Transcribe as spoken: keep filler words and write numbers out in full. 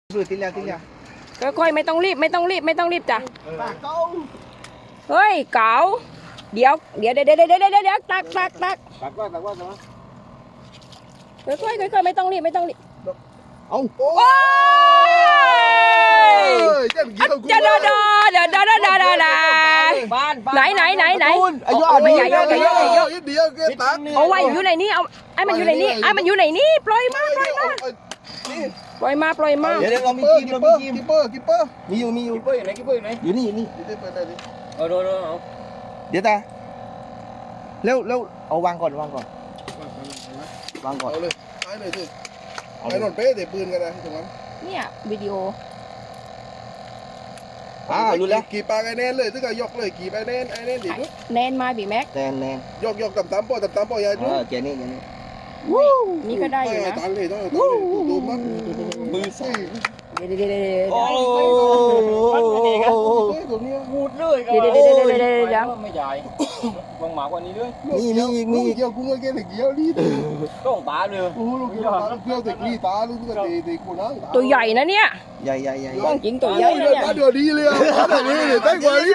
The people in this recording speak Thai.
คือทีแล้วทีแล้วค่อยๆไม่ต้องรีบไม่ต้องรีบไม่ต้องรีบจ้ะเฮ้ยเก๋าเดี๋ยวเดี๋ยวเดี๋ยวเดี๋ยวเดี๋ยวเดี๋ยวเดี๋ยวตักตักตักตักว่าตักว่าตักว่าค่อยๆค่อยๆไม่ต้องรีบไม่ต้องรีบเอาโอ้โอ้ยจะจะเดาเดาเดาเดาเดาเดาเดาบ้านไหนไหนไหนไหนอายุเอาไม่ใหญ่เยอะใหญ่เยอะใหญ่เยอะเดียวเกินตักเอาไว้อยู่ในนี้เอาไอ้มันอยู่ในนี้ไอ้มันอยู่ในนี้ปล่อยมาปล่อยมาปล่อยมาปล่อยมาเดี๋ยวเรามีกิมเรามีกิมกิปเปอร์กิปเปอร์มีอยู่มีอยู่กิปเปอร์อยู่ไหนกิปเปอร์อยู่ไหนอยู่นี่อยู่นี่เออโดนเอาเดี๋ยวตาเร็วเร็วเอาวางก่อนวางก่อนวางก่อนเอาเลยตายเลยสิไอ้นนเป๊ะเตะปืนกันนะถูกไหมเนี่ยวิดีโออ่ารู้แล้วกี่ปากไอ้แน่นเลยถึงกับยกเลยกี่ไปแน่นไอ้แน่นดิแนนมาบีแม็กแนนแนนยกยกต่ำต่ำปอต่ำต่ำปอยายเอดูอแกนี่แกนี่นี่ก็ได้อยู่นะตังเลยต้องตังเลยดูมั้งมือสั่นเดี๋ยวเดี๋ยวเดี๋ยวเดี๋ยวโอ้ตัวนี้พูดเลยก็เดี๋ยวเดี๋ยวเดี๋ยวเดี๋ยวเดี๋ยวเดี๋ยวไม่ใหญ่วางหมากกว่านี้ด้วยมีมีอีกมีอีกเกี่ยวกุ้งไอ้แกเด็กเกี่ยวนี่ต้องตาเลยโอ้ลูกเกี่ยวลูกเกี่ยวเด็กนี่ตาลูกก็เตะเตะกูนะตัวใหญ่นะเนี่ยใหญ่ใหญ่ใหญ่ต้องจริงตัวใหญ่นะเนี่ยเดี๋ยวดีเลยอ่ะเดี๋ยวดีเลยได้กว่านี้